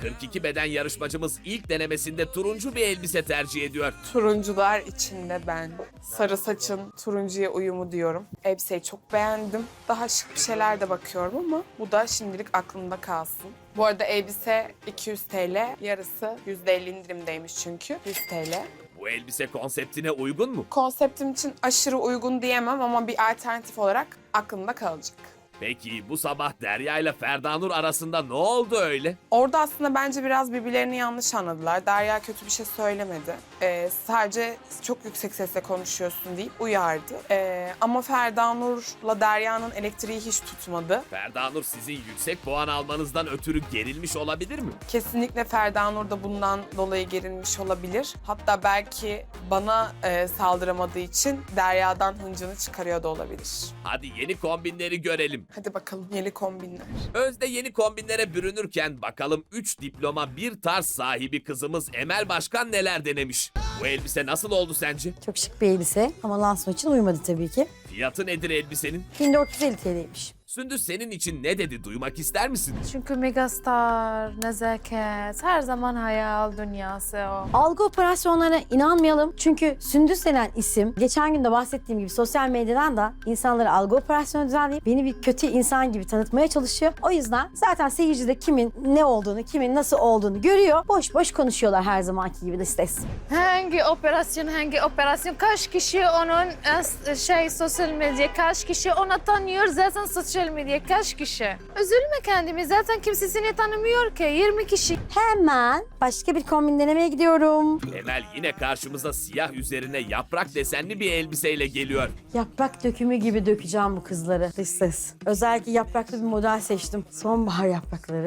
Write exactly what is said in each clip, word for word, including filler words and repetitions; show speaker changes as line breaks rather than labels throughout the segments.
kırk iki beden yarışmacımız ilk denemesinde turuncu bir elbise tercih ediyor.
Turuncular içinde ben. Sarı saçın turuncuya uyumu diyorum. Elbiseyi çok beğendim. Daha şık bir şeyler de bakıyorum ama bu da şimdilik aklımda kalsın. Bu arada elbise iki yüz T L, yarısı yüzde elli indirimdeymiş çünkü yüz T L.
Bu elbise konseptine uygun mu?
Konseptim için aşırı uygun diyemem ama bir alternatif olarak aklımda kalacak.
Peki bu sabah Derya ile Ferdanur arasında ne oldu öyle?
Orada aslında bence biraz birbirlerini yanlış anladılar. Derya kötü bir şey söylemedi. Ee, sadece çok yüksek sesle konuşuyorsun deyip uyardı. Ee, ama Ferdanur'la Derya'nın elektriği hiç tutmadı.
Ferdanur sizin yüksek puan almanızdan ötürü gerilmiş olabilir mi?
Kesinlikle Ferdanur da bundan dolayı gerilmiş olabilir. Hatta belki bana e, saldıramadığı için Derya'dan hıncını çıkarıyor da olabilir.
Hadi yeni kombinleri görelim.
Hadi bakalım yeni kombinler.
Özde yeni kombinlere bürünürken bakalım üç diploma bir tarz sahibi kızımız Emel Başkan neler denemiş? Bu elbise nasıl oldu sence?
Çok şık bir elbise ama lansman için uymadı tabii ki.
Fiyatı nedir elbisenin?
bin dört yüz elli T L'ymiş.
Sündüz senin için ne dedi duymak ister misin?
Çünkü megastar, nezaket, her zaman hayal dünyası o.
Algı operasyonlarına inanmayalım. Çünkü Sündüz denen isim, geçen gün de bahsettiğim gibi sosyal medyadan da insanları algı operasyonu düzenleyip beni bir kötü insan gibi tanıtmaya çalışıyor. O yüzden zaten seyirci de kimin ne olduğunu, kimin nasıl olduğunu görüyor. Boş boş konuşuyorlar her zamanki gibi de stres.
Hangi operasyon, hangi operasyon, kaç kişi onun e, şey sosyal medya, kaç kişi ona tanıyor zaten sosyal medya, kaç kişi? Üzülme kendimi, zaten kimse seni tanımıyor ki, yirmi kişi.
Hemen başka bir kombin denemeye gidiyorum.
Emel yine karşımıza siyah üzerine yaprak desenli bir elbiseyle geliyor.
Yaprak dökümü gibi dökeceğim bu kızları. Dış ses. Özellikle yapraklı bir model seçtim. Sonbahar yaprakları.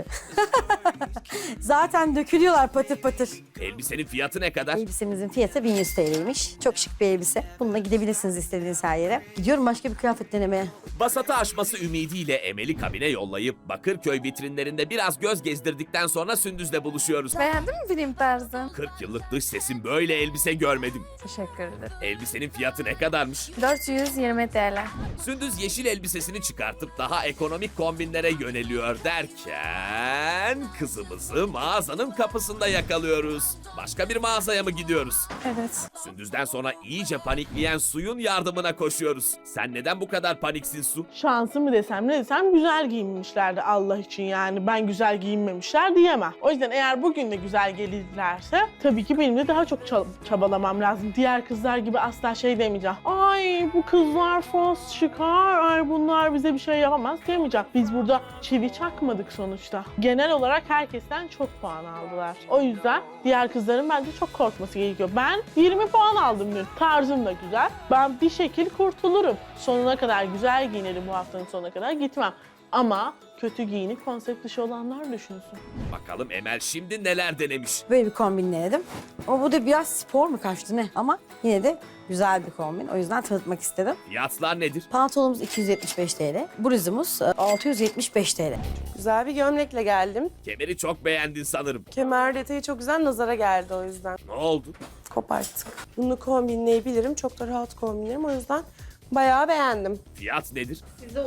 Zaten dökülüyorlar patır patır.
Elbisenin fiyatı ne kadar?
Elbisemizin fiyatı bin yüz T L'ymiş. Çok şık bir elbise. Bununla gidebilirsiniz istediğiniz her yere. Gidiyorum başka bir kıyafet denemeye.
Basatı aşması ümidiyle Emel'i kabine yollayıp Bakırköy vitrinlerinde biraz göz gezdirdikten sonra Sündüz'le buluşuyoruz.
Beğendin mi film tarzı?
kırk yıllık dış sesim böyle elbise görmedim.
Teşekkür ederim.
Elbisenin fiyatı ne kadarmış?
dört yüz yirmi T L.
Sündüz yeşil elbisesini çıkartıp daha ekonomik kombinlere yöneliyor derken kızımızı mağazanın kapısında yakalıyoruz. Başka bir mağazaya mı gidiyoruz?
Evet.
Sündüz'den sonra iyice panikleyen Su'nun yardımına koşuyoruz. Sen neden bu kadar paniksin Su?
Şansı mı desem ne desem güzel giyinmişlerdi Allah için yani. Ben güzel giyinmemişler diyemem. O yüzden eğer bugün de güzel gelirlerse tabii ki benim de daha çok çab- çabalamam lazım. Diğer kızlar gibi asla şey demeyeceğim. Ay bu kızlar fos çıkar, ay bunlar bize bir şey yapamaz diyemeyeceğim. Biz burada çivi çakmadık sonuçta. Genel olarak herkesten çok puan aldılar. O yüzden diğer kızların bence çok korkması gerekiyor. Ben yirmi puan aldım dün. Tarzım da güzel. Ben bir şekil kurtulurum. Sonuna kadar güzel giyinirim, bu haftanın sonuna kadar gitmem. Ama kötü giyinip konsept dışı olanlar düşünsün.
Bakalım Emel şimdi neler denemiş?
Böyle bir kombin denedim. Ama bu da biraz spor mu kaçtı ne? Ama yine de güzel bir kombin. O yüzden tanıtmak istedim.
Fiyatlar nedir?
Pantolonumuz iki yüz yetmiş beş T L. Bluzumuz e, altı yüz yetmiş beş T L.
Güzel bir gömlekle geldim.
Kemeri çok beğendin sanırım.
Kemer detayı çok güzel, nazara geldi o yüzden.
Ne oldu?
Koparttık. Bunu kombinleyebilirim. Çok da rahat kombinlerim. O yüzden bayağı beğendim.
Fiyat nedir?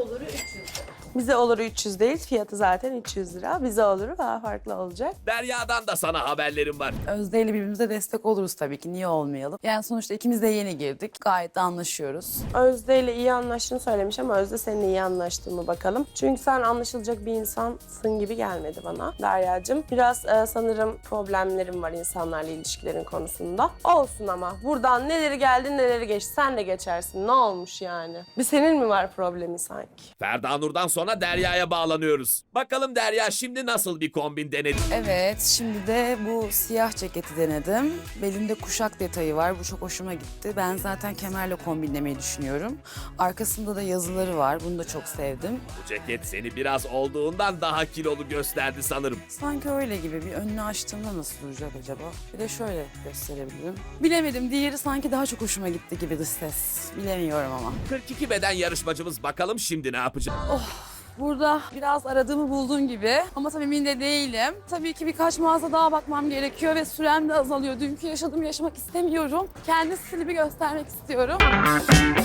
Bize oluru üç yüz değil, fiyatı zaten üç yüz lira. Bize oluru daha farklı olacak.
Derya'dan da sana haberlerim var.
Özde ile birbirimize destek oluruz tabii ki. Niye olmayalım? Yani sonuçta ikimiz de yeni girdik. Gayet de anlaşıyoruz.
Özde ile iyi anlaştığını söylemiş ama Özde seninle iyi anlaştın mı bakalım. Çünkü sen anlaşılacak bir insansın gibi gelmedi bana Derya'cığım. Biraz e, sanırım problemlerim var insanlarla ilişkilerin konusunda. Olsun ama buradan neleri geldi neleri geçti sen de geçersin. Ne olmuş yani? Bir senin mi var problemi sanki?
Ferdanur'dan sonra Derya'ya bağlanıyoruz. Bakalım Derya şimdi nasıl bir kombin denedi?
Evet, şimdi de bu siyah ceketi denedim. Belinde kuşak detayı var. Bu çok hoşuma gitti. Ben zaten kemerle kombinlemeyi düşünüyorum. Arkasında da yazıları var. Bunu da çok sevdim.
Bu ceket seni biraz olduğundan daha kilolu gösterdi sanırım.
Sanki öyle gibi. Bir önünü açtığımda nasıl duracak acaba? Bir de şöyle gösterebilirim. Bilemedim. Diğeri sanki daha çok hoşuma gitti gibi dış ses. Bilemiyorum ama.
kırk iki beden yarışmacımız bakalım şimdi ne yapacak?
Burada biraz aradığımı buldum gibi ama tabii emin de değilim. Tabii ki birkaç mağaza daha bakmam gerekiyor ve sürem de azalıyor. Dünkü yaşadığımı yaşamak istemiyorum. Kendi stilimi göstermek istiyorum.